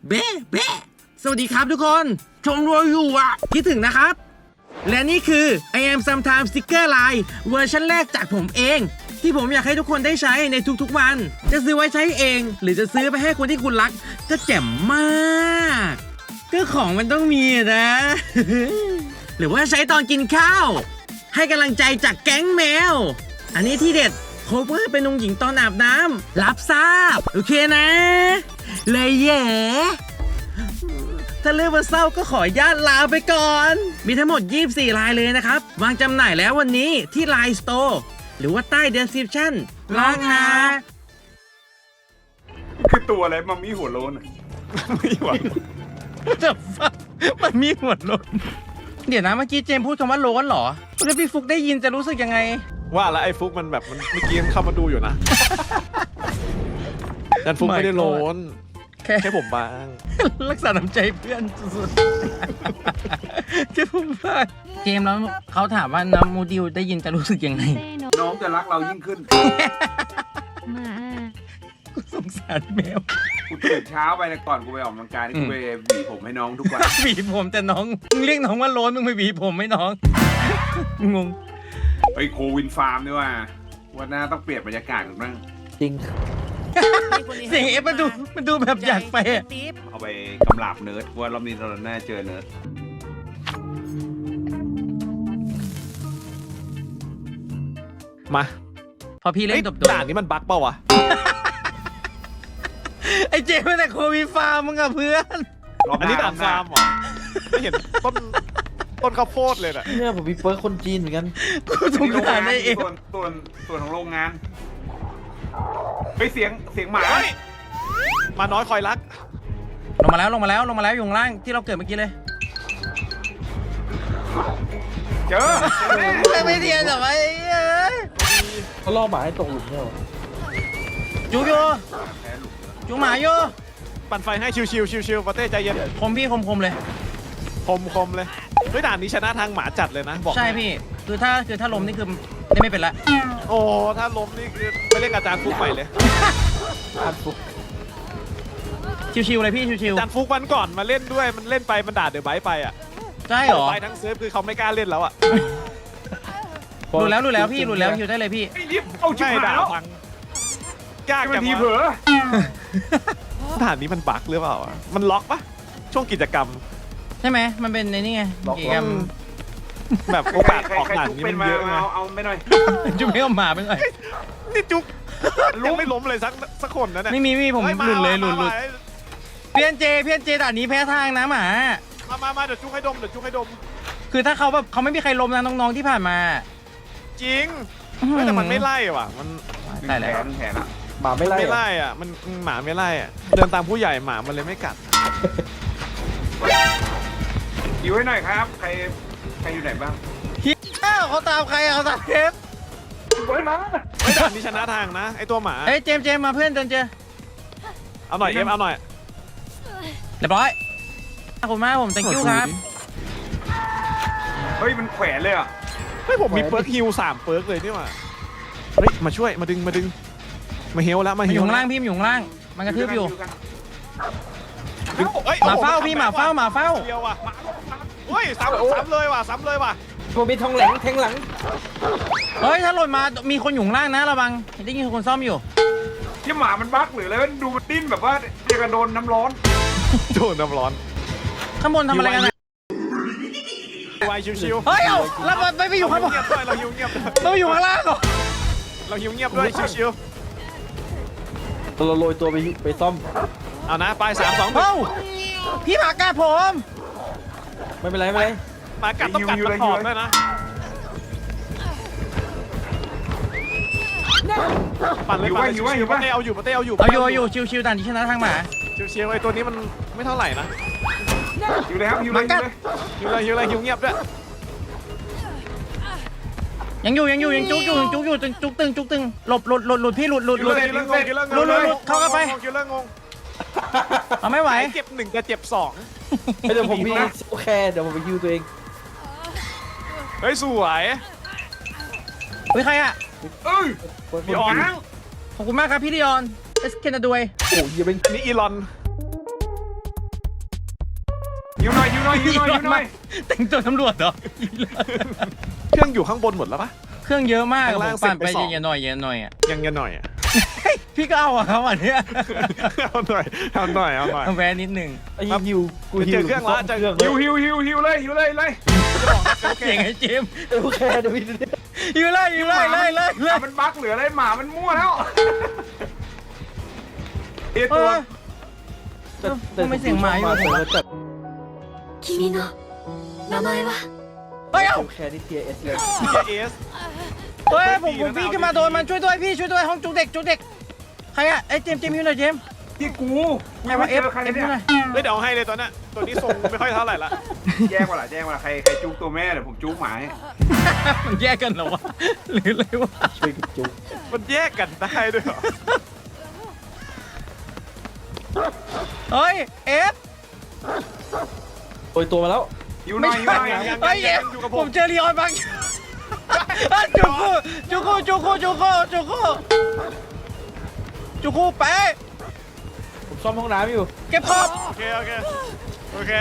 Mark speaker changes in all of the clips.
Speaker 1: เบ๊ะเบ๊ะสวัสดีครับทุกคนชมรวยอยู่อ่ะคิดถึงนะครับและนี่คือ I am sometimes sticker line เวอร์ชันแรกจากผมเองที่ผมอยากให้ทุกคนได้ใช้ในทุกๆวันจะซื้อไว้ใช้เองหรือจะซื้อไปให้คนที่คุณรักก็แจ่มมากก็ของมันต้องมีนะ หรือว่าใช้ตอนกินข้าวให้กำลังใจจากแก๊งแมวอันนี้ที่เด็ดโคเวอร์เป็นองค์หญิงตอนอาบน้ำรับทราบโอเคนะเลยแย่ถ้าเลือกมาเศร้าก็ขออนุญาตลาไปก่อน มีทั้งหมด 24 ลายเลยนะครับ วางจำหน่ายแล้ววันนี้ที่ Line Store หรือว่าใต้ Description ลองนะ
Speaker 2: คือตัวอะไรมัมมี่หัวโล้นไม่ไหว
Speaker 1: แต่ฟังมันมีหัวโล้นเดี๋ยวนะเมื่อกี้เจมส์พูดคำว่าโล้นเหรอแล้วพี่ฟุกได้ยินจะรู้สึกยังไง
Speaker 3: ว่าแล้วไอ้ฟุกมันแบบมันเมื่อกี้มันเข้ามาดูอยู่นะยันฟุกไม่ได้โล้นแค่ผมบาง
Speaker 1: รักษาน้ำใจเพื่อนสุดๆแค่ผมบ้างเจมส์แล้วเขาถามว่าน้ำมูดิวได้ยินจะรู้สึกยังไง
Speaker 2: น้องจะรักเรายิ่งขึ้น
Speaker 1: กูสงสารแมว
Speaker 2: กูตื่นเช้าไปนะก่อนกูไปออกกำลังกายนี่กูไปหวีผมให้น้องทุกวัน
Speaker 1: หวีผมแต่น้องมึงเรียกน้องว่าโล้นมึงไปหวีผมไม่น้องงง
Speaker 2: ไปโควินฟาร์มด้วยว่าวันหน้าต้องเปลี่ยนบรรยากาศกันบ้าง
Speaker 4: จริง
Speaker 1: เสียงเอฟมันดูแบบอยากไปอะ
Speaker 2: เอาไปกำลาบเนิร์ดว่ารอบนี้เราหน้าเจอเนิร์ด
Speaker 3: มา
Speaker 1: พอพี่เล่
Speaker 3: เฮ้ย
Speaker 1: นตบตัว
Speaker 3: ด่านนี้มันบั๊กเปล่าวะ
Speaker 1: ไอ้เจมส์แต่โควิดฟาร์มมึงอะเพื่อน
Speaker 2: รอบห
Speaker 3: อันนี้
Speaker 2: น้า
Speaker 3: ด่านฟาร์มเหรอไม่เห็นต้นข้าวโพดเลยน่ะ
Speaker 4: เนี่ยผมมีเปิร์กคนจีนเหมือนกัน
Speaker 1: กูสงสารไอ้เอฟ
Speaker 2: ส่วนของโรงงานไปเสียงหมา
Speaker 3: เฮ้ยมาน้อยคอยรัก
Speaker 1: ลงมาแล้วอยู่ข้างล่างที่เราเกิดเมื่อกี้เลย
Speaker 2: เจอแน่
Speaker 1: ไม่เทียนแต่ว่า
Speaker 4: เขาล่อหมาให้ตกหลุมเนี่ยเหรอ
Speaker 1: จุกโยจุกหมาโย
Speaker 3: ปั่นไฟให้ชิวๆปาเต้ใจเย็น
Speaker 1: คมพี่คมเลย
Speaker 3: คมเลยเฮ้ยด่านนี้ชนะทางหมาจัดเลยนะบอก
Speaker 1: ใช่พี่คือถ้าล้มนี่คือได้ไม่เป็นละ
Speaker 3: โอ้ถ้าล้มนี่คือไม่เล่นอาจารย์ฟุกไปเลย
Speaker 4: อ่านปุ๊บ
Speaker 1: ชิวๆเลยพี่ชิว
Speaker 3: อาจารย์ฟุกวันก่อนมาเล่นด้วยมันเล่นไปมันด่าเดอะไบท์ไปอ่ะ
Speaker 1: ๆใช่เหรอ
Speaker 3: ไปทั้งเซิร์ฟคือเขาไม่กล้าเล่นแล้วอ่ะ
Speaker 1: หลุดแล้วพี่หลุดแล้วชิวได้เลยพี่
Speaker 2: ไอ้รีบเอาชิบ
Speaker 3: ใช่
Speaker 2: หาย
Speaker 3: ด่า
Speaker 2: แล้ว
Speaker 3: ฟังยาก
Speaker 2: ให้มั
Speaker 3: จั
Speaker 2: น
Speaker 3: ง
Speaker 2: ทีเผล
Speaker 3: วะ
Speaker 2: อ
Speaker 3: ด่านนี้มันบั๊กหรือเปล่าอะมันล็อกปะช่วงกิจกรรม
Speaker 1: ใช่ไหมมันเป็นในนี่ไงกิจกรรม
Speaker 3: แบบโอกาสออก
Speaker 2: ใคร
Speaker 3: ด่าน
Speaker 2: ทุก
Speaker 3: นี้
Speaker 2: เป็
Speaker 3: มัน น
Speaker 2: มา
Speaker 3: เยอะไง
Speaker 2: เอาไม่หน่อย
Speaker 1: จุกไม่เอาหมาไปหน่อย
Speaker 3: นี่จุกยังไม่ล้มเลยสักคนนะเนี่ย
Speaker 1: ไม่มีผม
Speaker 3: ฮ้
Speaker 1: หลุดเลย
Speaker 3: มา
Speaker 1: หลุดเพี้ยนเจด่านนี้แพ้ทางนะหมา
Speaker 3: มาเดี๋ยวจุกให้ดม
Speaker 1: คือถ้าเขาแบบเขาไม่มีใครล้มนะน้องๆที่ผ่านมา
Speaker 3: จริงเฮ้ยแต่มันไม่ไล่ว่ะมัน
Speaker 1: ใช่แล้ว
Speaker 2: แผลละ
Speaker 4: หมาไม่ไล่
Speaker 3: ไม่
Speaker 4: เหรอ
Speaker 3: ไล่อ่ะมันหมาไม่ไล่อ่ะเดินตามผู้ใหญ่หมามันเลยไม่กัด
Speaker 2: อยู่ให้หน่อยครับ ใครอยู่ไหนบ้าง
Speaker 1: เขาตามใครอะเขาตามเทป
Speaker 2: เฮ้ยมา
Speaker 3: ไอ้ด่านนี้ชนะทางนะไอ้ตัวหมา
Speaker 1: เอ้ยเจมส์มาเพื่อนเดินเจอ
Speaker 3: เอาหน่อยเอ็มเอาหน่อย
Speaker 1: เรียบร้อยขอบคุณมากผม thank you ครับ
Speaker 2: เฮ้ยมันแขวนเลยอ่ะ
Speaker 3: เฮ้ยผมมีเปิร์กฮิล3เปิร์กเลยนี่หว่าเฮ้ยมาช่วยมาดึงมาเฮลแล้วมา
Speaker 1: มัน
Speaker 3: เฮ
Speaker 1: อยู่
Speaker 3: ล
Speaker 1: ข้างล่างพี่มันอยู่ข้างล่างมันกระทืบอยู่
Speaker 3: ดึงเอ้ย
Speaker 1: หมาเฝ้าพี่หมาเฝ้า
Speaker 3: เดียวว่ะเฮ้ยซ้ำเลยว่ะ
Speaker 4: ผมมีทองแหลงแทงหลัง
Speaker 1: เฮ้ยถ้าหล่นมามีคนอยู่ข้างล่างนะระวังได้ยินคนซ่อมอยู่
Speaker 2: ที่หมามันบั๊กหรืออะไรมันดูมันดิ้นแบบว่าเดียวกับโดนน้ำร้อน
Speaker 3: โดนน้ำร้อน
Speaker 1: ข้างบนทำอะไรกันอะ
Speaker 3: วายชิวๆ
Speaker 1: เฮ้ยเอาแล้วมันไม่ไปอยู่ข้างบน
Speaker 3: เราหิวเงียบด้วย
Speaker 1: เราอยู่ข้างล่างเหรอ
Speaker 3: เราหิวเงียบด้วยชิว
Speaker 4: เราโรยตัวไปซ่อม
Speaker 3: ๆเอานะไป3 2
Speaker 1: เอ้าพี่หมากัดผม
Speaker 4: ไม่เป็นไร
Speaker 3: มากัดต้องกัดมันหอมด้วยนะปั่นเลยปั่นเลยปาเต้เอาอยู่
Speaker 1: เอาอยู่ชิวๆด่านที่ชนะทางหมา
Speaker 3: ชิวๆไอ้ตัวนี้มันไม่เท่าไหร่นะ
Speaker 2: อยู่เลยครับอยู่เลย
Speaker 3: หิวเงียบด้วย
Speaker 1: ยังจุกอยู่จุกตึงหลบหลุดพี่หลุด
Speaker 3: คิวเลอร์งง
Speaker 1: เข้ากันไป
Speaker 3: คิวเลอร์งง
Speaker 1: เอาไม่ไหว
Speaker 3: เจ็บ1กับเจ็บ
Speaker 4: ๆเดี๋ยวผมมีโอเคเดี๋ยวผมไปฮิวตัวเอง
Speaker 3: 2เฮ้ยสวย
Speaker 1: เฮ้ยใครอะ
Speaker 2: เอ้ย
Speaker 3: พี่ออน
Speaker 1: ขอบคุณมากครับพี่ดิออนเอสเคนดวย
Speaker 4: โอ้ยยังเป็น
Speaker 3: อันนี้อีลอน
Speaker 2: หิวหน่อยหิวหน่อยหิวหน่อยหิวหน่อย
Speaker 1: แต่งตัวตำรวจเหรอ
Speaker 3: เครื่องอยู่ข้างบนหมดแล้วปะ
Speaker 1: เครื่องเยอะมาก
Speaker 3: ข้าง
Speaker 1: ผ
Speaker 3: ล่าง
Speaker 1: มปั่นไป
Speaker 3: เสร็จไปสอง
Speaker 1: เย็นๆหน่อยเย็นๆหน่อยอ่ะ
Speaker 3: ยังหน่อยอ่ะ
Speaker 1: พี่ก็เอาอะครับอันเนี้ย
Speaker 3: เอาหน่อยเอาหน่อยเอาหน่อย
Speaker 1: เอาแวะนิดนึง
Speaker 4: ไอ้ฮิวกูฮิ
Speaker 3: เจ
Speaker 4: ว
Speaker 3: อเครื่องละเจอ
Speaker 4: เครื่อง
Speaker 2: หิวเลยหิวเลยเลย
Speaker 1: เสียงไอ้เจมส์
Speaker 4: โอเคเดี๋ยวพี่
Speaker 1: อยู่เลยอยู่เลยเลยเลยเลย
Speaker 2: มันบั๊กเหลืออะไรหมามันมั่วแล้วเอ
Speaker 1: เอ
Speaker 2: ตัว
Speaker 1: อ ไม่เสียงหมาอยู่
Speaker 4: แต่
Speaker 5: 君の名前は
Speaker 1: เฮ้ยเอ้า
Speaker 4: โอเคนี่เทียเอสเลย
Speaker 3: TS
Speaker 1: เฮ้ยผมพี่ขึ้นมาโดนมันช่วยด้วยพี่ช่วยด้วยห้องจุกเด็กจุกเด็กใครอะไอ้เจมส์อยู่ไหนเจมส์
Speaker 2: ที่กู
Speaker 1: ใครวะเอฟ
Speaker 2: ใคร
Speaker 1: เอฟ
Speaker 2: เนี่ย
Speaker 1: หน่อย
Speaker 3: เฮ้ยเดี๋ยวเอาให้เลยตัวน่ะตัวนี้ทรงไม่ค่อยเท่าไหร่ละ
Speaker 2: แจ้งว่าล่ะแจ้งว่าใครจุกตัวแม่เดี๋ยวผมจุกหมาให้
Speaker 1: มันแยกกันเหรอวะหรืออะไรวะ
Speaker 4: ช่วยกันจุ๊บ
Speaker 3: มันแยกกันได้ด้วยเหรอ
Speaker 1: เฮ้ยเอฟ
Speaker 4: โอยตัวมาแล้ว
Speaker 2: หิวหน่อยหิวหน่อย
Speaker 1: เฮ้ยเอฟผมเจอลีออนบางจุกูจุกูจุกูจุกูจุกูจุกูไป
Speaker 4: ผมซ่อมห้องน้ำอยู่
Speaker 1: เก็บขอบ
Speaker 3: โอเคโอเคโอเค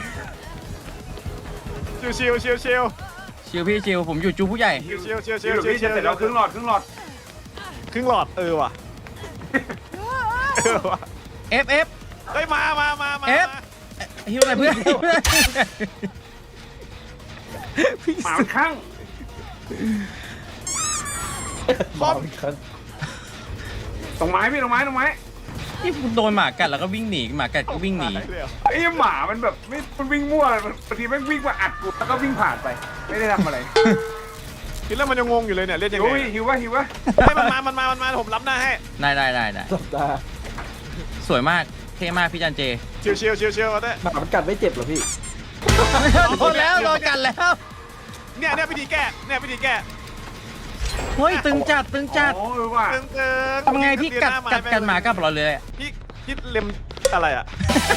Speaker 3: ชิวชิวชิวชิว
Speaker 1: ชิวพี่ชิวผมอยู่จูผู้ใหญ่
Speaker 3: ชิวชิวชิว
Speaker 2: หิวพี่จะเสร็จแล้วครึ่งหลอด
Speaker 3: ครึ่งหลอดว่ะว่ะ
Speaker 1: เอฟเอฟ
Speaker 3: เฮ้ยมา
Speaker 1: เอฟฮิวอะไรเพื่อน
Speaker 2: หมามันข้าง
Speaker 4: มาอีกครั้ง
Speaker 2: ตรงไม้พี่ตรงไม้
Speaker 1: นี่โดนหมากัดแล้วก็วิ่งหนีหมากัดก็วิ่งหนี
Speaker 2: ไอ้หมามันแบบไม่มันวิ่งมั่วบางทีมันวิ่งมาอัดกูแล้วก็วิ่งผ่านไปไม่ได้ทำอะไร
Speaker 3: คิดแล้วมันยังงงอยู่เลยเนี่ยเล่นยัง
Speaker 2: หิว
Speaker 3: ไง
Speaker 2: หิววะ
Speaker 3: ให้มันมาผมรับหน้าให้
Speaker 1: ได้
Speaker 4: สัปดาห์
Speaker 1: สวยมากเท่มากพี่จันเจ
Speaker 3: ชิวก็ได้
Speaker 4: หมามันกัดไม่เจ็บเหรอพี่
Speaker 1: โดนแล้วโดนกัดแล้ว
Speaker 3: เนี่ยวิธีแก้
Speaker 1: เฮ้ยตึงจัด
Speaker 2: โอ้ว่ะ
Speaker 3: ตึง
Speaker 1: ทำไงพี่กัดหมากับเราเลยอะ
Speaker 3: พี่เล็มอะไรอ่ะ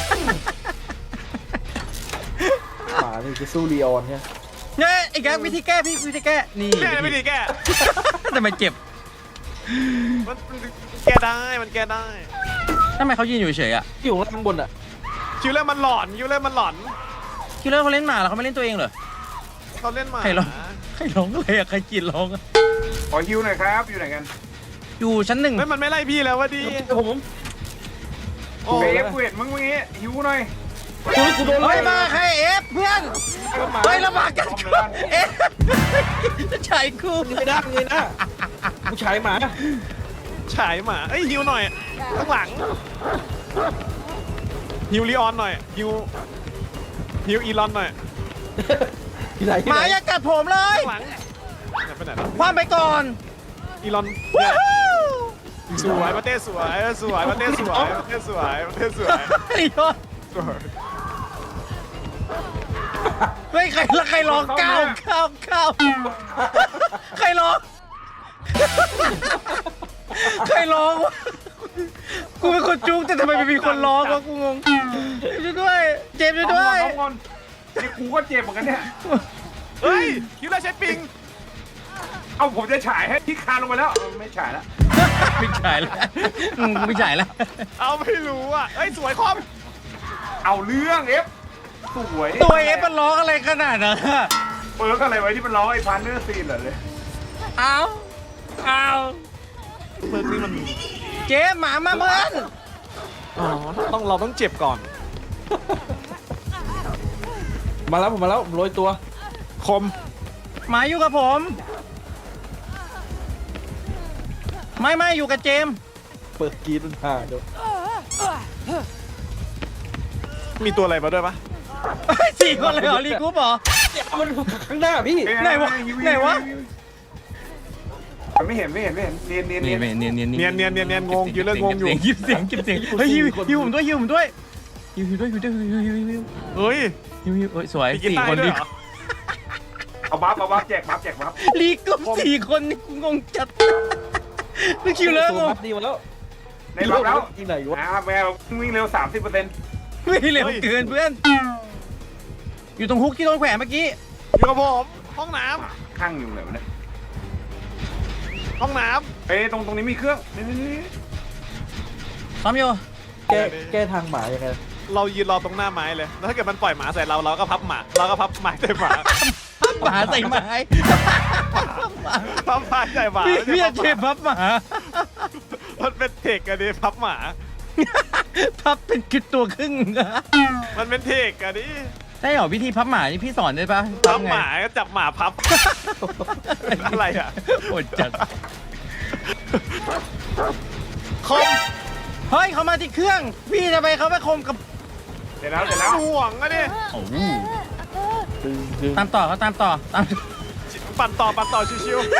Speaker 4: หมานี่จะสู้ลีออนเนี่ย
Speaker 1: เนี่ยไอ้แกวิธีแก้พี่วิธีแก้นี่
Speaker 3: เนี่ยวิธีแก้
Speaker 1: ทำไมเจ็บ
Speaker 3: มันแก้ได้มันแก้ได้
Speaker 1: ทำไมเขายืนอยู่เฉยอะ
Speaker 4: อยู่ข้างบนอ่ะ
Speaker 3: คิวเลอร์มันหลอน
Speaker 1: คิลเลอร์เขาเล่นหมาแล้วเขาไม่เล่นตัวเองเหรอ
Speaker 3: เขาเล่นมา
Speaker 1: ใครร้องอะไรอะใครกรีดร้องอะ
Speaker 2: ขอหิวหน่อยครับอยู่ไหนกัน
Speaker 1: อยู่ชั้นหนึ่ง
Speaker 3: เฮ้ยมันไม่ไล่พี่แล้ววะดี
Speaker 4: ผม
Speaker 3: โอ้
Speaker 2: เบฟกูเห็นมึงเมื่อกี้หิวหน่อย
Speaker 4: กูโดน
Speaker 1: เฮ้ยมาใครเอฟเพื่อนเฮ้ยระบาดกันเอฟจะฉายกู
Speaker 4: ไม่ได้เลยนะผู้ชายหมา
Speaker 3: ฉายหมาเอ้ยฮิวหน่อยข้างหลังฮิวลีออนหน่อยฮิวอีลอนหน่อย
Speaker 4: ที่ไหน
Speaker 1: หมาอย่ากัดผมเลย
Speaker 3: ข้างหลังเนี่ยไปไหนแล้ว
Speaker 1: คว้ามไปก่อน
Speaker 3: อีลอนสวยประเทศสวยประเทศสวย
Speaker 1: ไอ้ยอดเฮ้ยใครร้องก้าวใครร้องวะกูเป็นคนจุกแต่ทำไมไม่มีคนร้องวะกูงงช่วยด้วยเจมส์ช่วยด้วย
Speaker 2: น้องงอนนี่กูก็เจ็บเหมือนกันเนี่ย
Speaker 3: เฮ้ยคิวเลอร์ใช้ปิง
Speaker 2: เอาผมจะฉายให้ที่คานลงไปแล้วไม่ฉายแล้ว
Speaker 1: ไม่ฉายแล้วไม่ฉายแล้ว
Speaker 3: เอาไม่รู้อ่ะเฮ้ยสวยคอม
Speaker 2: เอาเรื่องเอฟสวย
Speaker 1: ตัวเอฟมันร้องอะไรขนาดนั้นอะ
Speaker 2: เปิร์กอะไรไว้ที่มันร้องไอ้พันเนอร์ซีนเหรอเลย
Speaker 1: เอา
Speaker 3: เบิร์กนี่มัน
Speaker 1: เจมส์หมามาเพื่อน
Speaker 3: อ๋อเราต้องเจ็บก่อน
Speaker 4: มาแล้วผมโรยตัว
Speaker 3: คม
Speaker 1: หมาอยู่กับผม ไม่อยู่กับเจมส์
Speaker 4: เปิดกีดมันผ่าเดี๋ยว
Speaker 3: มีตัวอะไรมาด้วยปะ
Speaker 1: 4 คนเลยเหรอรีกูปเหรอ
Speaker 4: มันข้างหน้าพี่
Speaker 1: ไหนวะ
Speaker 2: มันไม่เห็นเนียน
Speaker 1: เนียน
Speaker 3: งงอยู่เรื่องงงอยู่
Speaker 1: เก็บเสียงเฮ้ยฮิวผมด้วยฮิว
Speaker 3: เฮ้ย
Speaker 1: สวย
Speaker 3: มีกีตาร์
Speaker 1: 4 คน
Speaker 3: ด้วย
Speaker 1: ดี
Speaker 3: เหรอ
Speaker 2: เอาบัฟแจกบัฟ
Speaker 1: ลีกู4 คนนี่กูงงจัดนี่คิวเลย
Speaker 4: ตัวบัฟดีมาแล้ว
Speaker 2: ในบัฟแล้ว
Speaker 4: ที่ไหนวะ
Speaker 2: แมววิ่งเร็ว 30%
Speaker 1: ไม่เร็วเกินเพื่อน อยู่ตรงฮุกที่โดนแขวนเมื่อกี้
Speaker 3: อยู่กับผมห้องน้
Speaker 2: ข้างอยู่ไหนวะเนี่ย
Speaker 3: ำห้องน้
Speaker 2: เอ้ยตรงนี้มีเครื่องนี่
Speaker 1: ซ้อมอยู่
Speaker 4: แก้ทางหมายังไง
Speaker 3: เรายืนรอตรงหน้าไม้เลยแล้วถ้าเกิดมันปล่อยหมาใส่เราก็พับหมาเราก็พับไม้ใส่หมา
Speaker 1: หมาใส่ไม้
Speaker 3: พับไม้ใส่หมา
Speaker 1: พี่จะเจ็บพับหมา
Speaker 3: มันเป็นเทคกันดิพับหมา
Speaker 1: พับเป็นคือตัวครึ่ง
Speaker 3: มันเป็นเทคกันดิ
Speaker 1: ได้เหรอวิธีพับหมานี่พี่สอนได้ปะ
Speaker 3: พับ
Speaker 1: ไง
Speaker 3: หมาก็จับหมาพับ อะไรอ่ะ
Speaker 1: โอดจัด
Speaker 3: คม
Speaker 1: เฮ้ยเขามาที่เครื่อง พี่จะไปเขาไปคมกับ
Speaker 2: เสร็จแล้ว
Speaker 3: ห่วงอะดิ
Speaker 1: โอ้โห
Speaker 4: ดึงดึง
Speaker 1: ตามต่อเขาตามต่อตาม
Speaker 3: ปั่นต่อชิว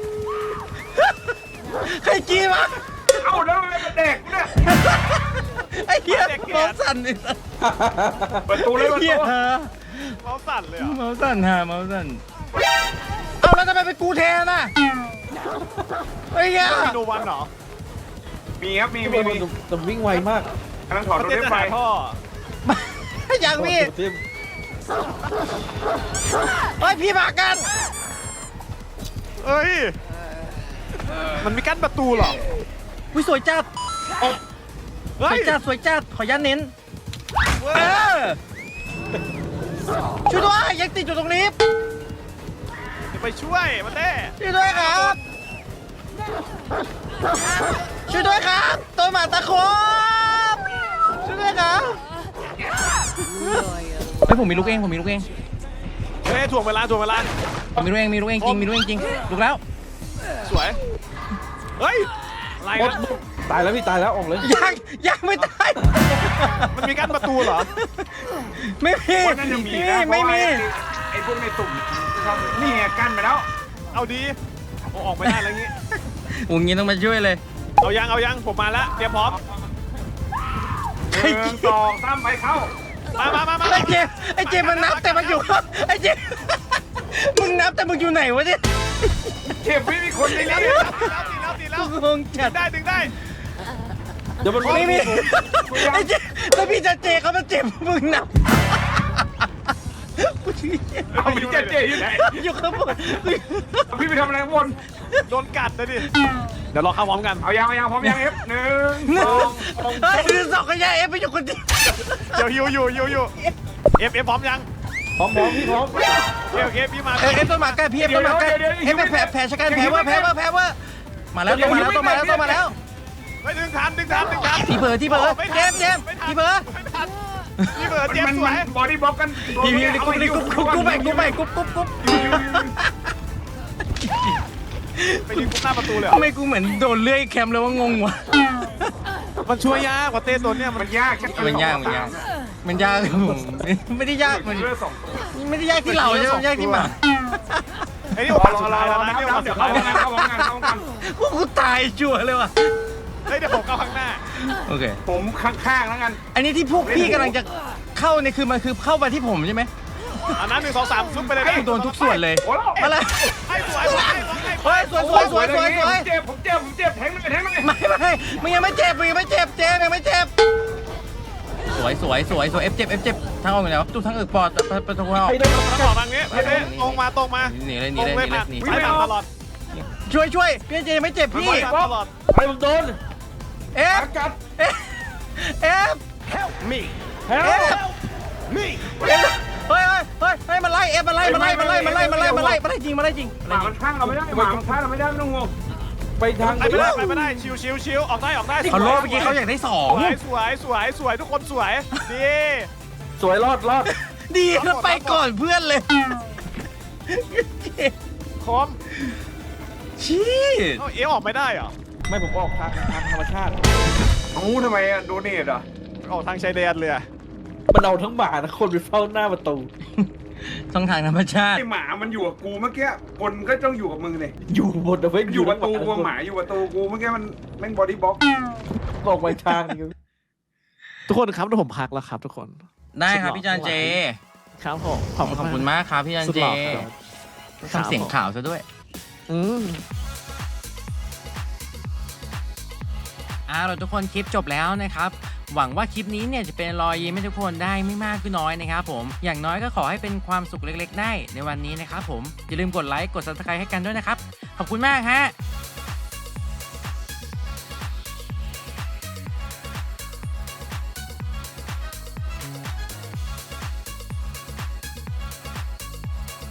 Speaker 1: ใครกี้วะ
Speaker 2: เอ้าแล้วมันเป็นเด็กเนี่ย
Speaker 1: ไอ้เหี้ยเมาส์สั่นไอ้สัส
Speaker 2: เปิดตูเลย
Speaker 1: ไอ้
Speaker 2: เปิด
Speaker 1: เหี้ย
Speaker 2: ตู
Speaker 3: ๆเมาสั่นเลยเหรอ
Speaker 1: เมาส์สั่นฮะเมาส์สั่นเอาแล้วทำไมเป็นกูแทนน่ะไอ้เหี้ย
Speaker 3: มีโนวันเหรอ
Speaker 2: มีครับมี
Speaker 4: แต่วิ่งไวมาก
Speaker 2: กำลังถอด
Speaker 3: เขา
Speaker 2: รถ
Speaker 3: เต้น
Speaker 2: เล่น
Speaker 3: จะ
Speaker 2: ไฟ
Speaker 3: หาท่อ
Speaker 1: ยังพี่
Speaker 4: เต็ม
Speaker 1: เฮ้ยพี่มากัน
Speaker 3: เอ้ยมันมีกั้นประตูเหรอ
Speaker 1: อุ้ยสวยจัดส
Speaker 3: เฮ้
Speaker 1: วย ยจัดสวยจัดขอยันเน้น
Speaker 3: เว้
Speaker 1: เอย อช่วยด้วยยังติดอยู่ตรงลิฟต์
Speaker 3: เดี๋ยวไปช่วยมาเต้
Speaker 1: ช่วยด้วยครับช่วยด้วยครับตัวหมาตะครบช่วยด้วยครับเฮ้ยผมมีลูกเองผมมีลูกเอง
Speaker 3: เฮ้ยถ่วงเวลา
Speaker 1: ผมมีลูกเองมีลูกเองจริงมีลูกเองจริงลูกแล้ว
Speaker 3: สวยเฮ้ยอะไร
Speaker 4: หมด
Speaker 3: นะ
Speaker 4: ตายแล้วพี่ตายแล้วออกเลย
Speaker 1: ยังไม่ตาย
Speaker 3: มันมีกั้นประตูเหรอ
Speaker 1: ไม่มี
Speaker 2: คนนั้นยังมีนะ
Speaker 1: ไม่มี
Speaker 2: ไอ้พวกในตุ่มชอบนี่ไงกั้นไปแล้ว
Speaker 3: เอาดีเอาออกไม่ได้แล้วงี้
Speaker 1: โอ้ยต้องมาช่วยเลย
Speaker 3: เอายังผมมาแล้วเตรียมพร้อม
Speaker 2: หนึ่งสองสามไปเข้า
Speaker 3: มา
Speaker 1: ไอ้เจมมันนับแต่มันอยู่ไอ้เจมมึงนับแต่มึงอยู่ไหนวะเนี่ย
Speaker 2: เก็บไม่มีคนในนี้
Speaker 3: ตีแล้ว
Speaker 1: งงจัด
Speaker 3: ดึงได้
Speaker 4: เดี๋ยวมัน
Speaker 1: ไม่มีไอ้เจแล้วพี่จะเจเขามาเจ็บมึงนับ
Speaker 2: เอาพี่เจ๊อยู่ไหน
Speaker 1: อยู่ข้างบน
Speaker 2: พี่ไปทำอะไรข้างบน
Speaker 3: โดนกัดนะดิเดี๋ยวรอเข้าพร้อมกัน
Speaker 2: เอายังพร้อมยังเอฟหนึ่งสอง
Speaker 1: เฮ้ยคือสองกันยาเอฟไปอยู่คนเดียว
Speaker 3: เดี๋ยวฮิวอยู่เอฟพร้อมยัง
Speaker 4: พร้อมพี่พร้อม
Speaker 3: โอเคพี่มา
Speaker 1: เอฟต้นหมากใกล้พี่เอฟต้นหมากใกล้เอฟแผลชะกันแผลว่ามาแล้วต้องมาแล้ว
Speaker 3: ไม่ดึงทัน
Speaker 1: ที่เผลอเจมที่เผลอ
Speaker 3: ไม่ทันพี่เบิร์ดเจ็บ
Speaker 2: มัน
Speaker 3: สวย
Speaker 2: บอดี้บล็อกกัน
Speaker 1: พี่กุ๊บไป
Speaker 3: ไปยิงกุ๊บหน้าประตูเลย
Speaker 1: ทำไมกูเหมือนโดนเลื่อยแคมเลยว่างงวะ
Speaker 3: มันช่วยยากกว่าเต้ตัวเนี้ย
Speaker 2: มันยาก
Speaker 1: มันยากผมไม่ได้ยากมัน
Speaker 2: เลือดสอง
Speaker 1: ไม่ได้ยากที่เราใช่ไหมยากที่หมา
Speaker 3: ไอ้นี่โอกาสสุดท้ายแล้วนะ
Speaker 2: เดี๋
Speaker 3: นี่
Speaker 2: ยว
Speaker 3: โอกาสสุดท้ายแล้วนะ
Speaker 2: เข้าพร้อมกัน
Speaker 1: กูตายชัวร์เลยว่ะ
Speaker 3: เฮ้ยเดี๋ยวผมเข้าข้างหน้า
Speaker 1: โอเค
Speaker 2: ผมข้างๆแล้วกัน
Speaker 1: อันนี้ที่พวกพี่กำลังจะเข้าเนี่ยคือมันคือเข้ามาที่ผมใช่ไหม
Speaker 3: อันนั้น1 2 3ซุปไปเลย
Speaker 1: โดนทุกส่วนเลย
Speaker 2: โอ้โห
Speaker 1: มาเลย
Speaker 3: ให้สวย
Speaker 1: เฮ้ยสวย
Speaker 2: เจ็บผมเจ็บแทงเลย
Speaker 1: ไม่มึงยังไม่เจ็บเจมยังไม่เจ็บสวยเอฟเจ็บทางออกอยู่ไหนวะตู้ทางอึกปอดประตูออก
Speaker 4: ให้ได้
Speaker 3: ต้องบอกทางนี้เต้ตรงมา
Speaker 1: หนีเลย
Speaker 3: ตรงเลยผ่านสายผ่านตลอด
Speaker 1: ช่วยพี่เจไม่เจ็บพี่
Speaker 3: ผ่านตลอด
Speaker 4: ไอ้ผมโดน
Speaker 1: เอฟ
Speaker 2: กัด
Speaker 1: เอฟ
Speaker 3: มี
Speaker 1: เอฟเฮ้ยมันไล่เอฟมันไล่จริง
Speaker 2: หมามันข้างเราไม่ได้หมามันข้างเราไม่ได้ไม่ต้องงง
Speaker 4: ไปทาง
Speaker 3: ไปไม่ได้ชิวออกได้
Speaker 1: เขาโลเมื่อกี้เขาอยากได้สอง
Speaker 3: สวยทุกคนสวยดี
Speaker 4: สวยรอด
Speaker 1: ดีแล้วไปก่อนเพื่อนเลย
Speaker 3: คม
Speaker 1: ชี้
Speaker 3: เอออกไม่ได้เหรอ
Speaker 4: ไม่ผมออกทางธรรมชาติ
Speaker 2: งูทำไมอะโดเนทอ่ะ
Speaker 3: ออกทางชายแดนเลย
Speaker 4: มันเอาทั้งหมาทั้งคนไปเฝ้าหน้าประตู
Speaker 1: ช่องทางธรรมชาติ
Speaker 2: ไอหมามันอยู่กับกูเมื่อกี้คนก็ต้องอยู่กับมึงเลย
Speaker 4: อยู่บนเอาไว้
Speaker 2: อยู่ประตูกูหมาอยู่ประตูกูเมื่อกี้มันแม่งบอดี้บล็อก
Speaker 4: บอกไปทาง
Speaker 3: ทุกคนครับผมพักแล้วครับทุกคน
Speaker 1: ได้ครับพี่จันเจ
Speaker 3: ครับผม
Speaker 1: ขอบคุณมากครับพี่จันเจทำเสียงข่าวซะด้วย เราทุกคนคลิปจบแล้วนะครับ หวังว่าคลิปนี้เนี่ยจะเป็นรอยยิ้มให้ทุกคนได้ไม่มากก็น้อยนะครับผมอย่างน้อยก็ขอให้เป็นความสุขเล็กๆได้ในวันนี้นะครับผมอย่าลืมกดไลค์กด Subscribe ให้กันด้วยนะครับขอบคุณมากฮะ